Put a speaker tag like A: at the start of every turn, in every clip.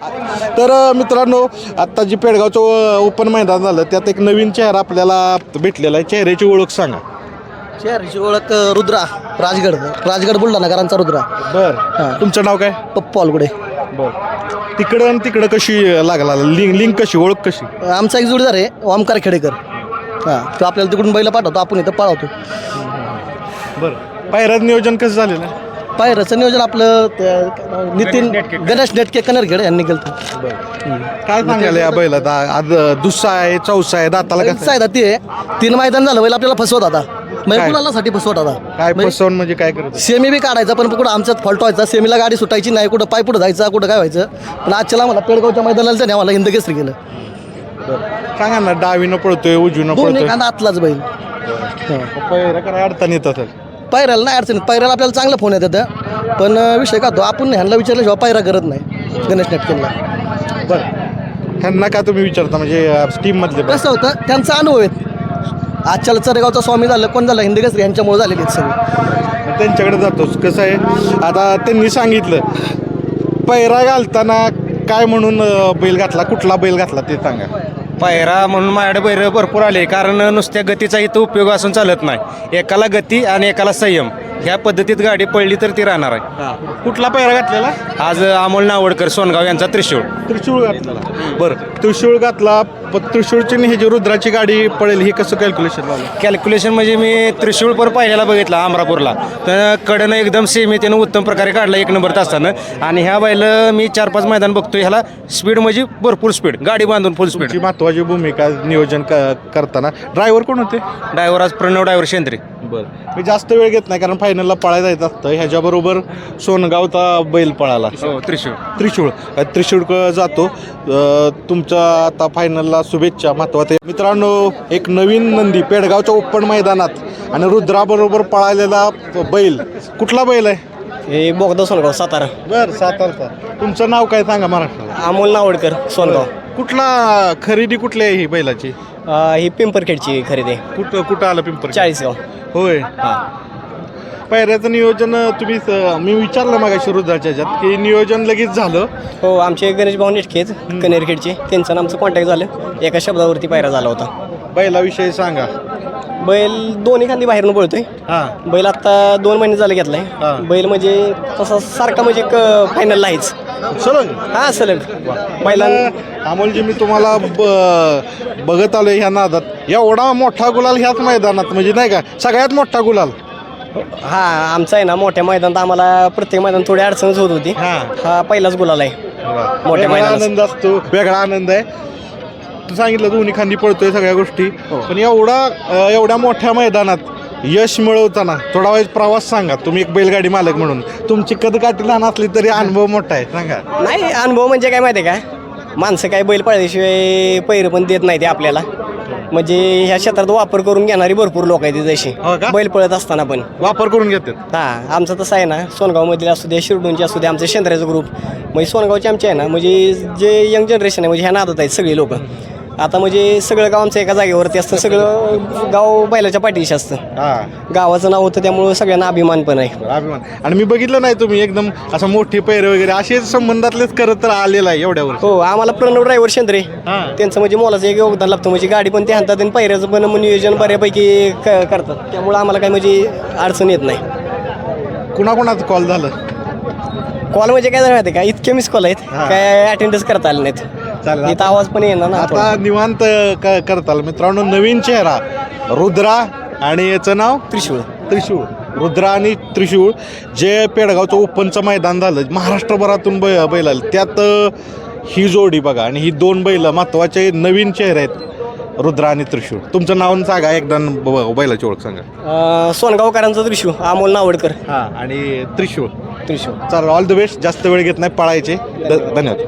A: तर मित्रांनो, आत्ता जी पेडगावचं ओपन मैदान झालं त्यात एक नवीन चेहरा आपल्याला भेटलेला आहे. चेहऱ्याची ओळख सांगा.
B: शहराची ओळख रुद्रा राजगड बुलढाणाकरांचा रुद्रा.
A: बरं, तुमचं नाव काय?
B: पप्पू अलगुडे.
A: बरं, तिकडं आणि तिकडं कशी लागला लिंक कशी ओळख कशी?
B: आमचा एक जोडीदार आहे ओमकार खेडेकर. हां, तो आपल्याला तिकडून बैल पाठवतो, आपण इथं पळवतो.
A: बरं, पायऱ्याचं नियोजन कसं झालेलं आहे?
B: पायऱ्याचं नियोजन आपलं नितीन गणेश नेटके कनरखेड यांनी केलं.
A: काय सांगायला या बैलात? आज दुसरा आहे, चौसा आहे, दाताला कसं आहे?
B: ती आहे 3 मैदान झालं बैल आपल्याला फसवत आता, म्हणजे
A: काय?
B: कुणालासाठी फसवत आता.
A: काय फसवून म्हणजे काय करत?
B: सेमी बी काढायचा पण कुठं आमच्यात फॉल्ट व्हायचा. सेमीला गाडी सुटायची नाही, कुठं पाय पुढं जायचा, कुठं काय व्हायचं. पण आजच्याला आम्हाला पेडगावच्या मैदानाला त्याने आम्हाला हिंद केसरी केलं.
A: सांगा ना, डावीनं पळतोय उजवीनं
B: दोन्ही
A: पळतोय,
B: कांदा आतलाच बैल.
A: पायऱ्या काय अडचण येत असेल?
B: पायऱ्याला नाही अडचणीत, पायऱ्याला आपल्याला चांगला फोन येतात. पण विषय का तो आपण ह्यांना विचारल्याशिवाय पायरा करत नाही गणेश नेटकेला.
A: बरं, ह्यांना का तुम्ही विचारता म्हणजे टीम मधले?
B: कसं होतं त्यांचा अनुभव आहेत. आजच्याला चरेगावचा स्वामी झालं, कोण झालं, हिंद केसरी यांच्यामुळे झालेली आहेत सगळी.
A: त्यांच्याकडे जातोच. कसं आहे, आता त्यांनी सांगितलं पैरा घालताना काय म्हणून बैल घातला, कुठला बैल घातला ते सांगा.
C: पायरा म्हणून माझ्याकडे बैल भरपूर आले, कारण नुसत्या गतीचा इथं उपयोग असून चालत नाही. एकाला गती आणि एकाला संयम, ह्या पद्धतीत गाडी पडली तर ती राहणार आहे.
A: कुठला पैरा घातलेला?
C: आज अमोल नावडकर सोनगाव यांचा त्रिशूळ.
A: त्रिशूळ घातलेला. बरं, त्रिशूळ घातला. त्रिशूळची आणि ही जी रुद्राची गाडी पडेल हे कसं कॅल्क्युलेशन लावलं?
C: कॅल्क्युलेशन म्हणजे मी त्रिशूळ पर पहिल्याला बघितला अमरापूरला, तर कडनं एकदम सेमी त्यानं उत्तम प्रकारे काढला 1 नंबर तासानं. आणि ह्या बैल मी 4-5 मैदान बघतोय, ह्याला स्पीड म्हणजे भरपूर स्पीड, गाडी बांधून फुल स्पीड.
A: तुमची महत्वाची भूमिका नियोजन करताना. ड्रायव्हर कोण होते?
C: ड्रायव्हर आज प्रणव ड्रायव्हर शेंद्रे.
A: बरं, मी जास्त वेळ घेत नाही कारण फायनलला पळायला जायचं असतं. ह्याच्याबरोबर सोनगावचा बैल पळाला.
C: हो, त्रिशूळ.
A: त्रिशूळ जातो. तुमच्या आता फायनलला शुभेच्छा. महत्वाचे मित्रांनो, एक नवीन नंदी पेडगावच्या ओपन मैदानात आणि रुद्राबरोबर पळालेला बैल. कुठला बैल आहे?
B: हे बोगदा सोनगाव सातारा.
A: बरं, सातारचा. तुमचं नाव काय सांगा महाराष्ट्राला?
B: अमोल नावडकर सोनगाव.
A: कुठला खरेदी कुठली आहे ही बैलाची?
B: ही पिंपरखेडची खरेदी.
A: कुठं आलं पिंपर?
B: 40 गाव.
A: होय. पायऱ्याचं नियोजन तुम्ही मी विचारलं मागाशी रुद्राच्या ह्याच्यात की नियोजन लगेच झालं.
B: हो, आमचे गणेश भाऊ नेटकेच कनेरखेडचे, त्यांचं आणि आमचं कॉन्टॅक्ट झालं. एका शब्दावरती पायरा झाला होता.
A: बैलाविषयी सांगा.
B: बैल दोन्ही खांदी बाहेरून पळतोय.
A: हां,
B: बैल आता 2 महिने झाले घेतलाय. बैल म्हणजे तसा सारखा म्हणजे फायनलला आहेच.
A: सलग.
B: हा, सलग बैला.
A: अमोलजी, मी तुम्हाला बघत आलो ह्या नादात. एवढा मोठा गुलाल ह्याच मैदानात म्हणजे नाही का, सगळ्यात मोठा गुलाल.
B: हा, आमचा आहे ना मोठ्या मैदानात आम्हाला प्रत्येक मैदान थोडी अडचणच होत होती. हा पहिलाच गुलाल आहे मोठ्या
A: वेगळा
B: मैदानात.
A: आनंद असतो, वेगळा आनंद आहे. तू सांगितलं दोन्ही खांदी पळतोय सगळ्या गोष्टी. पण एवढ्या मोठ्या मैदानात यश मिळवताना थोडा वेळ प्रवास सांगा. तुम्ही एक बैलगाडी मालक म्हणून तुमची कदकाठी लहान असली तरी अनुभव मोठा आहे, सांगा.
B: नाही, अनुभव म्हणजे काय माहिती आहे का, माणसं काय बैल पळल्याशिवाय पैर पण देत नाही ते आपल्याला. म्हणजे ह्या क्षेत्रात वापर करून घेणारी भरपूर लोक आहेत जशी बैल पळत असताना पण
A: वापर करून घेतात.
B: हां, आमचं तसं आहे ना, सोनगावमधील असू दे, शिरडूनचे असू दे, आमचं शेंद्र्याचं ग्रुप म्हणजे सोनगावचे आमचे आहे ना, म्हणजे जे यंग जनरेशन आहे म्हणजे ह्या नादात आहेत सगळे लोक. आता म्हणजे सगळं गाव आमचं एका जागेवरती असतं, सगळं गाव बैलाच्या पाठीशी असतं. गावाचं नाव होतं त्यामुळं सगळ्यांना अभिमान पण आहे.
A: अभिमान. आणि मी बघितलं नाही तुम्ही एकदम असं मोठे पैरे वगैरे असे संबंधातलेच करत तर आलेला आहे एवढ्यावर.
B: हो, आम्हाला प्रणव ड्रायव्हर शेंद्रे त्यांचं म्हणजे मोलाचं एक योगदान लागतं. म्हणजे गाडी पण ते हातात आणि पैऱ्याचं पण नियोजन बऱ्यापैकी करतात. त्यामुळं आम्हाला काही म्हणजे अडचण येत नाही.
A: कुणाकुणाचं कॉल झालं?
B: कॉल म्हणजे काय झालं माहिती का, इतके मिस कॉल आहेत काय अटेंडन्स करता आले नाहीत.
A: चालेल.
B: इथं आवाज पण येणार ना.
A: आता निवांत करताल. मित्रांनो, नवीन चेहरा रुद्रा आणि याचं नाव त्रिशूळ. रुद्रा आणि त्रिशूळ जे पेडगावचं ओपनचं मैदान झालं, महाराष्ट्रभरातून बैल आले, त्यात ही जोडी बघा. आणि ही 2 बैल महत्वाचे नवीन चेहरे आहेत, रुद्रा आणि त्रिशूळ. तुमचं नाव सांगा एकदा, बैलाची ओळख सांगा.
B: सोनगावकरांचा त्रिशूळ अमोल नावडकर.
A: आणि त्रिशूळ. चला, ऑल द बेस्ट. जास्त वेळ घेत नाही, पळायचे. धन्यवाद.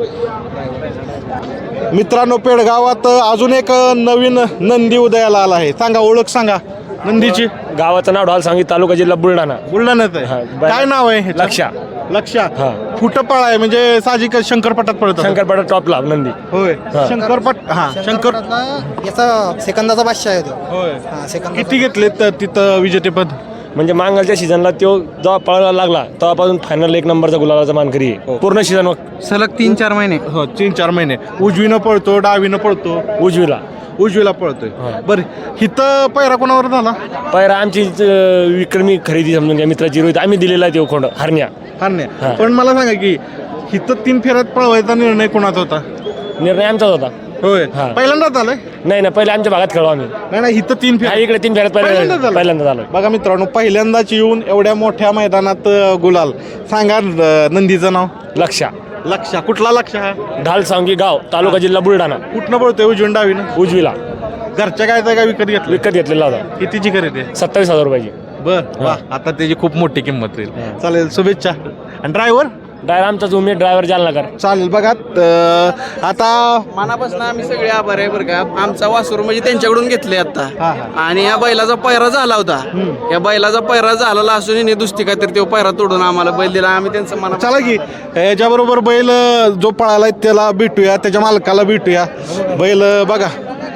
A: मित्रांनो, पेडगावात अजून एक नवीन नंदी उदयाला आला आहे. सांगा, ओळख सांगा नंदीची.
D: गावाचं नाव ढाल सांगित, तालुका जिल्हा बुलढाणा.
A: बुलढाण्यात आहे. काय नाव आहे? लक्षा. कुठं पळ आहे म्हणजे साहजिक शंकरपटात पळतो.
D: शंकरपाडा टॉपला नंदी.
A: होय, शंकरपट.
B: याचा सेकंदाचा बादशाह आहे तो.
A: होय. किती घेतले तिथं विजेतेपद?
D: म्हणजे मांगलच्या सीझनला तो जेव्हा पळायला लागला तेव्हापासून फायनल 1 नंबरचा गुलाबाचा मानकरी आहे पूर्ण सीझन
B: सलग 3-4 महिने
A: हो 3-4 महिने उजवीनं पळतो डावीनं पळतो उजवीला पळतोय बरं हिथं पैरा कोणावर झाला
D: पहिला आमची विक्रमी खरेदी समजून घ्या मित्राची रोहित आम्ही दिलेला आहे तो खोंड हरण्या
A: हारण्या पण मला सांगा की हिथं 3 फेऱ्यात पळवायचा निर्णय कोणाचा होता
D: निर्णय आमचाच होता
A: होय
D: हा.
A: पहिल्यांदाच आलंय
D: नाही ना पहिले आमच्या भागात खेळू आम्ही
A: नाही हिथं 3
D: हा,
A: फेऱ्या
D: इकडे 3 फेऱ्यात पहिल्यांदा झालो
A: बघा मित्रांनो पहिल्यांदाच येऊन एवढ्या मोठ्या मैदानात गुलाल सांगा नंदीचं नाव लक्षा कुठला लक्ष हा
D: ढाल सांगी गाव तालुका जिल्हा बुलढाणा
A: कुठनं पळतोय उजवीन डावीनं
D: उजवीला
A: घरच्या काय काय विकत घेतलं
D: विकत घेतलेला होता
A: कितीची खरेदी आहे
D: 27,000 रुपयाची
A: बर वा आता त्याची खूप मोठी किंमत होईल चालेल शुभेच्छा आणि ड्रायव्हर
D: ड्रायव्हर आमचाच उमेद ड्रायव्हर जालनाकर
A: चालेल बघा आता
B: मनापासून आम्ही सगळे आभार आहे बरं का आमचा वासरू म्हणजे त्यांच्याकडून घेतले आता
A: हा.
B: आणि या बैलाचा पैरा झाला होता या बैलाचा पैरा झालेला असून हिने दुसरी काहीतरी तो पैरा तोडून आम्हाला बैल दिला आम्ही त्यांचं मना
A: चला की याच्याबरोबर बैल जो पळालाय त्याला भेटूया त्याच्या मालकाला भेटूया बैल बघा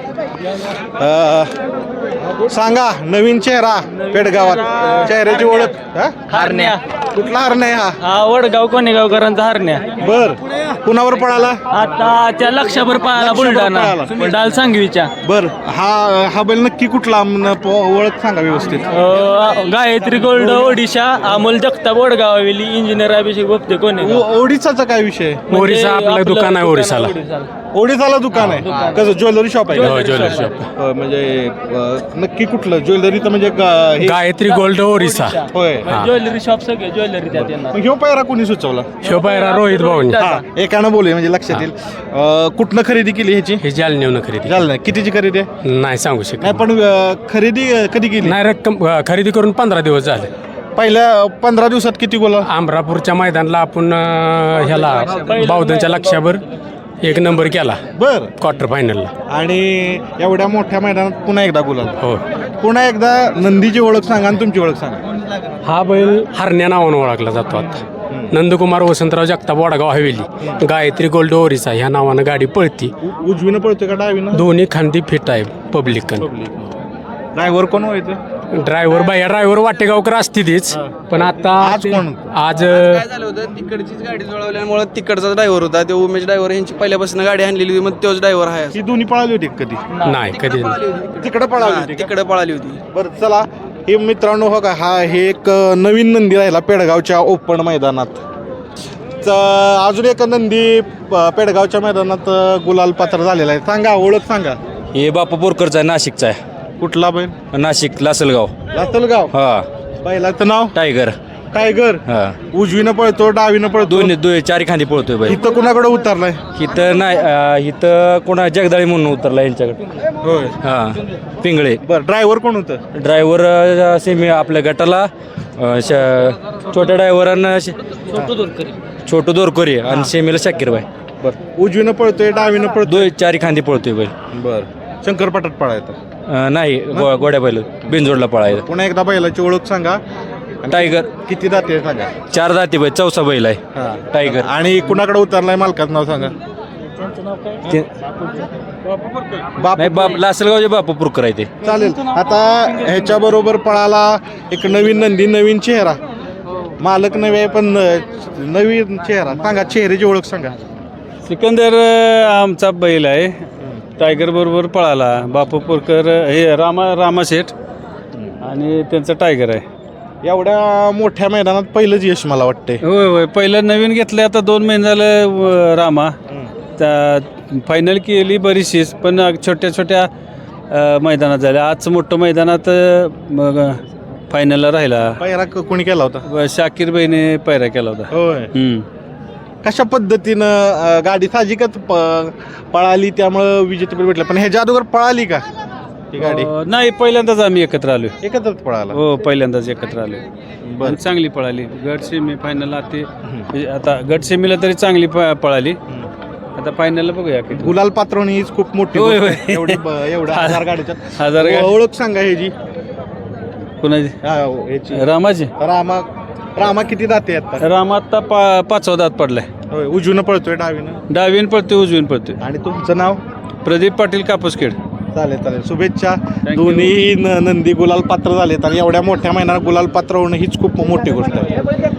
A: सांगा नवीन चेहरा पेडगावात चेहऱ्याची ओळख हा?
E: हरण्या
A: कुठला हरण्या हा
E: हा वडगाव कोणेगावकरांचा हरण्या
A: बर कुणावर पळाला
E: आता त्या लक्षाभर पाहायला बुलढाणा डाल सांगवीच्या
A: बर हा बैल नक्की कुठला ओळख सांगा व्यवस्थित
E: गायत्री गोल्ड ओडिशा अमोल जगताप वडगाव हवेली इंजिनियर अभिषेक बोपते कोणी
A: ओडिसाचा काय विषय
E: ओरिसा आपलं दुकान आहे ओरिसाला
A: ओडिसाला दुकान आहे कसं ज्वेलरी शॉप आहे
E: हो, ज्वेलरी शॉप.
A: म्हणजे नक्की कुठलं ज्वेलरी तर म्हणजे हे-
E: गायत्री गोल्ड ओरिसा
A: होय
E: ज्वेलरी शॉप सगळे ज्वेलरी त्यात येणार
A: मग ह्यो पायरा कोणी सुचवला
E: शोभायरा रोहित भाऊनी
A: हा एकानं बोलूया म्हणजे लक्षात येईल कुठनं खरेदी केली ह्याची
E: हे जालन्यावरून खरेदी
A: झालं कितीची खरेदी आहे
E: नाही सांगू शकत
A: नाही पण खरेदी कधी केली
E: नाही रक्कम खरेदी करून 15 दिवस झाले
A: पहिल्या 15 दिवसात किती गोला
E: आमरापूरच्या मैदानाला आपण ह्याला बावधनच्या लक्षावर 1 नंबर केला
A: बर
E: क्वार्टर फायनलला
A: आणि एवढ्या मोठ्या मैदानात पुन्हा एकदा गुलाल
E: हो
A: पुन्हा एकदा नंदीची ओळख सांगा आणि तुमची ओळख सांगा
E: हा बैल हरण्या नावानं ओळखला जातो आता नंदकुमार वसंतराव जगताप वडगाव हवेली गायत्री गोल्ड ओरिसा ह्या नावानं गाडी पळती
A: उजवीनं पळतोय का डावीनं
E: दोन्ही खांदी फिट आहे पब्लिक
A: ड्रायव्हर कोण व्हायचं
E: ड्रायव्हर बाया ड्रायव्हर वाटेगावकर असते तीच पण आता
A: आज कोण?
E: आज
B: काय झालं होतं तिकडचीच गाडी जुळवल्यामुळे तिकडचा ड्रायव्हर होता तो उमेश ड्रायव्हर यांची पहिल्यापासून गाडी आणलेली होती मग तोच ड्रायव्हर आहे
A: ही दोन्ही पळाली होती का कधी
E: नाही कधी
A: तिकडे पळाली होती का?
B: तिकडे पळाली होती
A: बरं चला हे मित्रांनो हो का हा हे एक नवीन नंदी राहिला पेडगावच्या ओपन मैदानात अजून एक नंदी पेडगावच्या मैदानात गुलाल पात्र झालेला आहे सांगा ओळख सांगा
F: हे बापू बोरकरचा आहे नाशिकचा आहे
A: कुठला बैल
F: नाशिक लासलगाव
A: लासलगाव
F: हा
A: बैलाचं नाव
F: टायगर
A: टायगर
F: हा
A: उजवीनं पळतो डावीनं पळतो
F: दोन्ही चारी खांदी पळतोय बाई
A: इथं कुणाकडे उतरलाय
F: इथं नाही इथं कोणा जगदाळी म्हणून उतरला यांच्याकडे
A: होय
F: हा पिंगळे
A: बरं ड्रायव्हर कोण होतं
F: ड्रायव्हर सेमी आपल्या गटाला छोट्या ड्रायव्हरांना छोटू दोरकरी आणि सेमीला शाकीरबाई
A: बरं उजवीनं पळतोय डावीनं पळतोय
F: चारी खांदी पळतोय बैल
A: बरं शंकरपाटात पळायचं
F: नाही गोड्या बैल बिनजोडला पळायचं
A: पुन्हा एकदा बैलाची ओळख सांगा
F: टायगर
A: किती जाते सांगा
F: 4 दाती बैल 4सा बैल आहे
A: हा.
F: टायगर
A: आणि कुणाकडे उतरलाय मालकाचं नाव सांगा बाप
F: नाही बाप लासलगावचे बापू पुरकर आहे ते
A: चालेल आता ह्याच्या बरोबर पळाला एक नवीन नंदी नवीन चेहरा मालक नवे आहे पण नवीन चेहरा सांगा चेहऱ्याची ओळख सांगा
G: सिकंदर आमचा बैल आहे टायगर बरोबर पळाला बापू पोरकर हे रामा शेठ आणि त्यांचं टायगर आहे
A: एवढ्या मोठ्या मैदानात पहिलंच यश मला वाटतंय
G: होय होय पहिलं नवीन घेतलं आता 2 महिने झालं रामा त्या फायनल केली बरीचशीच पण छोट्या छोट्या मैदानात झाल्या आजचं मोठं मैदानात मग फायनलला राहिला
A: पहिला कोणी केला होता
G: शाकीर बाईने पैरा केला होता
A: होय कशा पद्धतीनं गाडी साहजिकच पळाली त्यामुळं विजेतेपद भेटलं पण ह्याच्या अगोदर पळाली का ही गाडी
G: नाही पहिल्यांदाच आम्ही एकत्र आलो
A: एकत्रच पळाला
G: हो पहिल्यांदाच एकत्र आलो
A: बरं.
G: आणि चांगली पळाली गट सेमी फायनल आता गट सेमीला तरी चांगली पळाली आता फायनलला बघूया किती
A: गुलाल पात्रवणी हीच खूप मोठी
G: होय,
A: गोष्ट
G: होय.
A: आहे. एवढ्या 1000 गाडीच्या
G: 1000 गाडी.
A: ओळख सांगा ह्याची
G: कोणाची
A: ह्याची
G: रामाची
A: रामा किती जाते आता
G: राम आता 5वा दात पडलाय
A: होय उजवीनं पळतोय डावीनं
G: डावीन पळतोय उजवीन पळतोय
A: आणि तुमचं नाव
G: प्रदीप पाटील कापूसखेड
A: चालेल शुभेच्छा. दोन्ही नंदी गुलाल पात्र झालेत आणि एवढ्या मोठ्या मैदानात गुलाल पात्र होणं हीच खूप मोठी गोष्ट आहे.